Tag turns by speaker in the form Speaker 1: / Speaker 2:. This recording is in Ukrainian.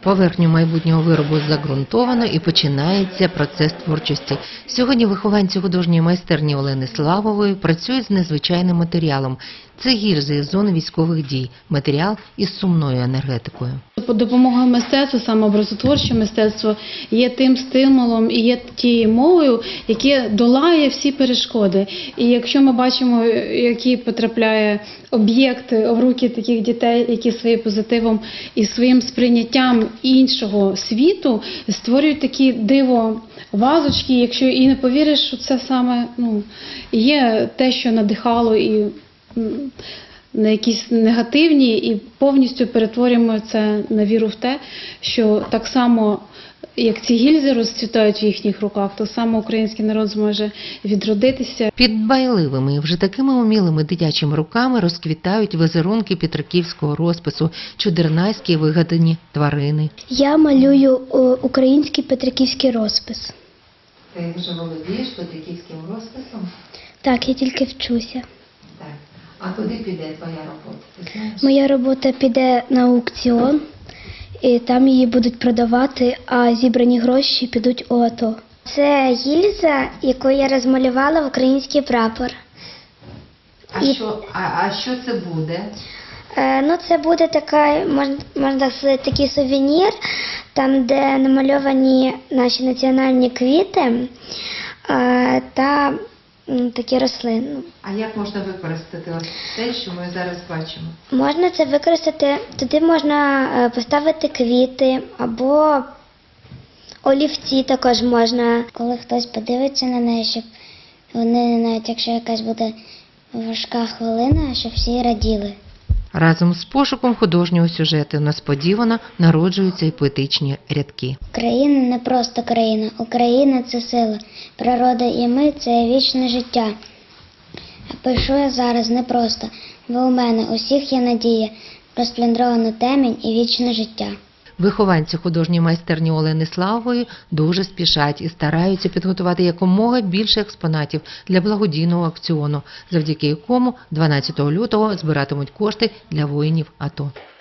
Speaker 1: Поверхню майбутнього виробу загрунтовано і починається процес творчості. Сьогодні вихованці художньої майстерні Олени Славової працюють з незвичайним матеріалом. Це гільзи із зони військових дій, матеріал із сумною енергетикою.
Speaker 2: Допомога мистецтва, саме образотворче мистецтво, є тим стимулом і є тією мовою, яке долає всі перешкоди. І якщо ми бачимо, який потрапляє об'єкт в руки таких дітей, які своїм позитивом і своїм сприйняттям іншого світу створюють такі диво вазочки, якщо і не повіриш, що це саме є те, що надихало і на якісь негативні, і повністю перетворюємо це на віру в те, що так само, як ці гільзи розцвітають в їхніх руках, так само український народ зможе відродитися.
Speaker 1: Під дбайливими і вже такими умілими дитячими руками розквітають візерунки петриківського розпису, чудернайські вигадані тварини.
Speaker 3: Я малюю український петриківський розпис.
Speaker 1: Ти вже володієш петриківським розписом?
Speaker 3: Так, я тільки вчуся.
Speaker 1: Так. А куди піде твоя робота? Ти знаєш?
Speaker 3: Моя робота піде на аукціон, і там її будуть продавати, а зібрані гроші підуть у АТО. Це гільза, яку я розмалювала в український прапор.
Speaker 1: А що це буде?
Speaker 3: Це буде можна сказати, такий сувенір, там, де намальовані наші національні квіти та такі рослини.
Speaker 1: А як можна використати те, що ми зараз бачимо?
Speaker 3: Можна це використати, туди можна поставити квіти або олівці також можна. Коли хтось подивиться на неї, щоб вони, навіть якщо якась буде важка хвилина, щоб всі раділи.
Speaker 1: Разом з пошуком художнього сюжету несподівано народжуються і поетичні рядки.
Speaker 3: Україна не просто країна, Україна – це сила, природа і ми – це вічне життя. Пишу я зараз непросто, бо у мене усіх є надія, розпліндровану темінь і вічне життя.
Speaker 1: Вихованці художньої майстерні Олени Славової дуже спішать і стараються підготувати якомога більше експонатів для благодійного аукціону, завдяки якому 12 лютого збиратимуть кошти для воїнів АТО.